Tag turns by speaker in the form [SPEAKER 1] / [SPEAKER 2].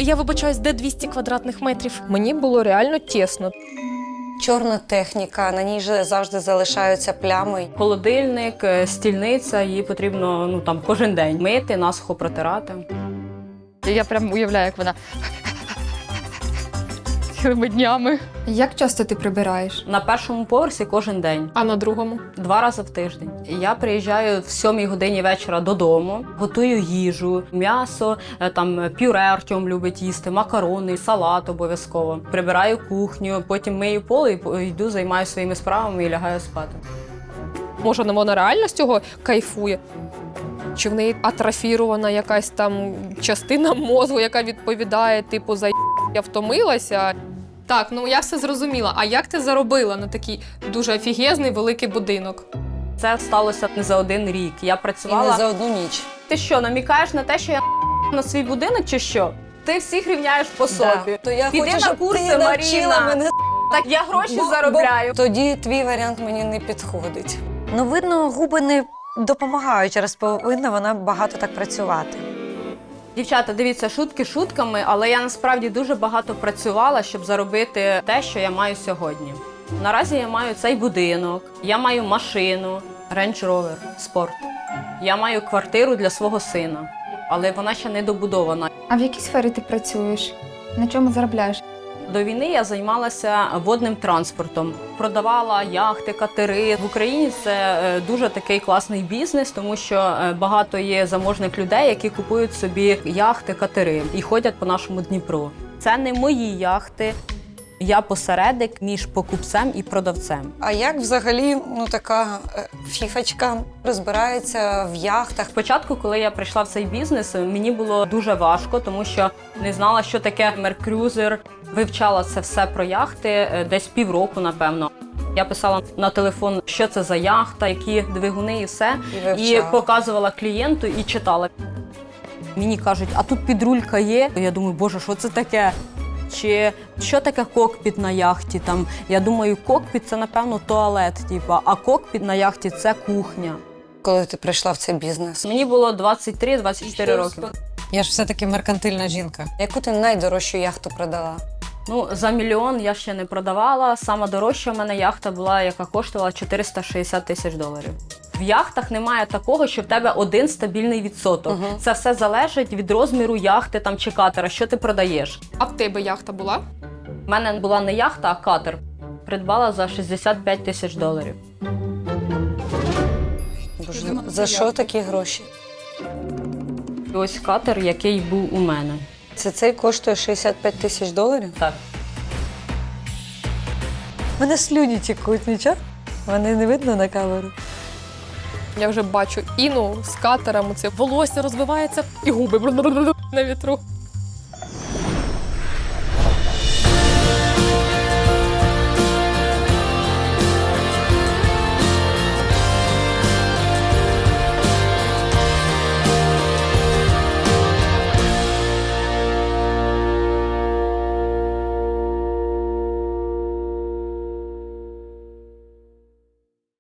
[SPEAKER 1] Я вибачаюсь, де 200 квадратних метрів? Мені було реально тісно.
[SPEAKER 2] Чорна техніка, на ній же завжди залишаються плями.
[SPEAKER 3] Холодильник, стільниця, її потрібно кожен день мити, насухо протирати.
[SPEAKER 4] Я прям уявляю, як вона цілими днями.
[SPEAKER 5] Як часто ти прибираєш?
[SPEAKER 3] На першому поверсі кожен день,
[SPEAKER 1] А на другому?
[SPEAKER 3] 2 рази в тиждень. Я приїжджаю в 7 годині вечора додому, готую їжу, м'ясо, пюре Артем любить їсти, макарони, салат обов'язково. Прибираю кухню, потім мию пол і йду, займаюся своїми справами і лягаю спати.
[SPEAKER 1] Може, вона реально з цього кайфує? Чи в неї атрофірована якась там частина мозку, яка відповідає, типу, за я втомилася? Так, я все зрозуміла. А як ти заробила на такий дуже офігезний великий будинок?
[SPEAKER 3] Це сталося не за 1 рік. Я
[SPEAKER 2] І
[SPEAKER 3] працювала...
[SPEAKER 2] не за одну ніч.
[SPEAKER 3] Ти що, намікаєш на те, що я на свій будинок чи що? Ти всіх рівняєш по собі.
[SPEAKER 2] Да. То я
[SPEAKER 3] Піди
[SPEAKER 2] хочу,
[SPEAKER 3] на
[SPEAKER 2] щоб
[SPEAKER 3] курси,
[SPEAKER 2] ти навчила
[SPEAKER 3] Маріна.
[SPEAKER 2] мене.
[SPEAKER 3] Так я гроші заробляю.
[SPEAKER 2] Тоді твій варіант мені не підходить. Видно, губи не допомагають, через повинна вона багато так працювати.
[SPEAKER 3] Дівчата, дивіться, шутки шутками, але я насправді дуже багато працювала, щоб заробити те, що я маю сьогодні. Наразі я маю цей будинок, я маю машину, Range Rover, спорт. Я маю квартиру для свого сина, але вона ще не добудована.
[SPEAKER 5] А в якій сфері ти працюєш? На чому заробляєш?
[SPEAKER 3] До війни я займалася водним транспортом. Продавала яхти, катери. В Україні це дуже такий класний бізнес, тому що багато є заможних людей, які купують собі яхти, катери і ходять по нашому Дніпру. Це не мої яхти. Я посередник між покупцем і продавцем.
[SPEAKER 2] А як взагалі така фіфочка розбирається в яхтах?
[SPEAKER 3] Спочатку, коли я прийшла в цей бізнес, мені було дуже важко, тому що не знала, що таке меркрюзер. Вивчала це все про яхти десь півроку, напевно. Я писала на телефон, що це за яхта, які двигуни і все. І показувала клієнту і читала. Мені кажуть, а тут підрулька є? Я думаю, боже, що це таке? Чи що таке кокпіт на яхті? Я думаю, кокпіт – це, напевно, туалет, а кокпіт на яхті – це кухня.
[SPEAKER 2] Коли ти прийшла в цей бізнес?
[SPEAKER 3] Мені було 23-24 роки.
[SPEAKER 6] Я ж все-таки меркантильна жінка.
[SPEAKER 2] Яку ти найдорожчу яхту продала?
[SPEAKER 3] За 1 мільйон я ще не продавала. Сама дорожча в мене яхта була, яка коштувала $460 000. В яхтах немає такого, що в тебе один стабільний відсоток. Це все залежить від розміру яхти чи катера, що ти продаєш.
[SPEAKER 1] А в тебе яхта була?
[SPEAKER 3] У мене була не яхта, а катер. Придбала за $65 000.
[SPEAKER 2] Боже, за що такі гроші?
[SPEAKER 3] І ось катер, який був у мене.
[SPEAKER 2] Цей коштує $65 000?
[SPEAKER 3] Так.
[SPEAKER 2] У мене слюні тікуть, нічого? Вони не видно на камеру.
[SPEAKER 1] Я вже бачу Іну з катером, це волосся розвивається і губи на вітру.